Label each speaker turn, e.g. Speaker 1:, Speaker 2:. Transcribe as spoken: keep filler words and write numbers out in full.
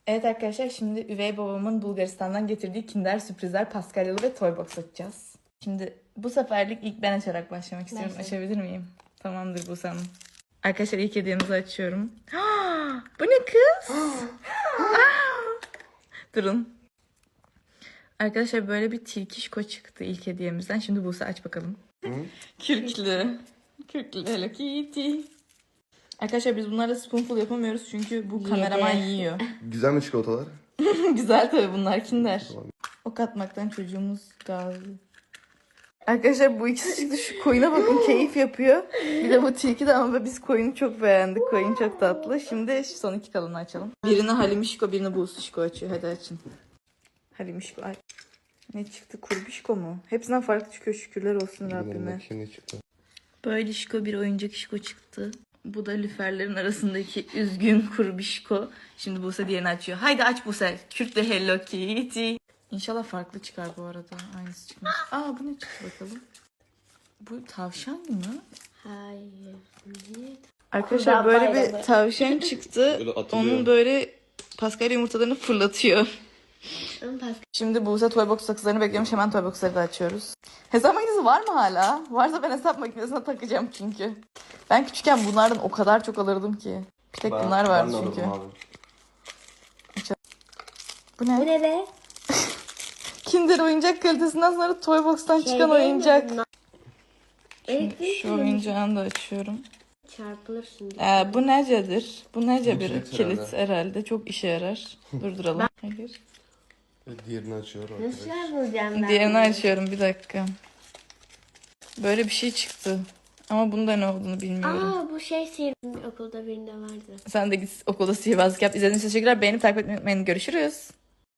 Speaker 1: Evet arkadaşlar, şimdi üvey babamın Bulgaristan'dan getirdiği Kinder sürprizler Paskalyalı ve Toybox açacağız. Şimdi bu seferlik ilk ben açarak başlamak istiyorum.
Speaker 2: Ben
Speaker 1: Açabilir miyim? Tamamdır bu sanırım. Arkadaşlar ilk hediyemizi açıyorum. Bu ne kız? Durun. Arkadaşlar böyle bir tilkişko çıktı ilk hediyemizden. Şimdi Buse aç bakalım.
Speaker 3: Hı?
Speaker 1: Kürklü. Kürklü Hello Kitty. Arkadaşlar biz bunlarla spoonful yapamıyoruz çünkü bu kameraman yiyor.
Speaker 3: Güzel mi çikolatalar?
Speaker 1: Güzel tabii, bunlar Kinder.
Speaker 3: Tamam.
Speaker 1: Ok atmaktan çocuğumuz gazlı. Arkadaşlar bu ikisi çıktı, şu koyuna bakın, keyif yapıyor. Bir de bu tilki de, ama biz koyunu çok beğendik. Koyun çok tatlı. Şimdi şu son iki kalanı açalım. Birini Halimişko, birini Buğsuşko açıyor. Hadi açın. Halimişko aç. Ne çıktı? Kurbişko mu? Hepsinden farklı çıkıyor, şükürler olsun Rabbime.
Speaker 3: Şimdi çıktı.
Speaker 1: Böyle şiko bir oyuncak şiko çıktı. Bu da lüferlerin arasındaki üzgün kurbişko. Şimdi Buse diğerini açıyor. Haydi aç Buse. Kürtle Hello Kitty. İnşallah farklı çıkar bu arada. Aynısı çıkmaz. Aa, bu ne çıktı bakalım. Bu tavşan mı?
Speaker 2: Hayır.
Speaker 1: Arkadaşlar
Speaker 2: Kurbağa
Speaker 1: böyle
Speaker 2: bayramı.
Speaker 1: bir tavşan çıktı.
Speaker 3: Böyle atılıyor.
Speaker 1: Onun böyle Paskalya yumurtalarını fırlatıyor.
Speaker 2: Ama Pascal
Speaker 1: Şimdi Buse Toybox sakızlarını bekliyormuş. Hemen Toybox'ları da açıyoruz. Hesap makinesi var mı hala? Varsa ben hesap makinesine takacağım çünkü. Ben küçükken bunlardan o kadar çok alırdım ki. Bir tek bunlar vardı
Speaker 3: ben de
Speaker 1: çünkü.
Speaker 3: alırım abi.
Speaker 1: Bu ne?
Speaker 2: Bu ne be?
Speaker 1: Kinder oyuncak kalitesinden sonra Toybox'tan
Speaker 2: Şey
Speaker 1: çıkan
Speaker 2: değil mi
Speaker 1: oyuncak.
Speaker 2: bunlar? Elektrik
Speaker 1: Şu oyuncağını da açıyorum.
Speaker 2: çarpılırsın.
Speaker 1: Ee, bu necedir? Bu nece
Speaker 3: Bu
Speaker 1: bir
Speaker 3: kilit
Speaker 1: kilit
Speaker 3: herhalde.
Speaker 1: herhalde. Çok işe yarar. Durduralım. Hayır.
Speaker 3: Evet, diğerini açıyor
Speaker 2: Nasıl
Speaker 3: arkadaş.
Speaker 2: bulacağım ben?
Speaker 1: Diğerini
Speaker 2: bunu?
Speaker 1: açıyorum, bir dakika. Böyle bir şey çıktı. Ama bunda ne olduğunu bilmiyorum.
Speaker 2: Aa, bu şey sihirli okulda birinde vardı.
Speaker 1: Sen de git okulda sihirbazlık yap. İzlediğiniz için teşekkürler. Beğenip takip etmeyi unutmayın. Görüşürüz.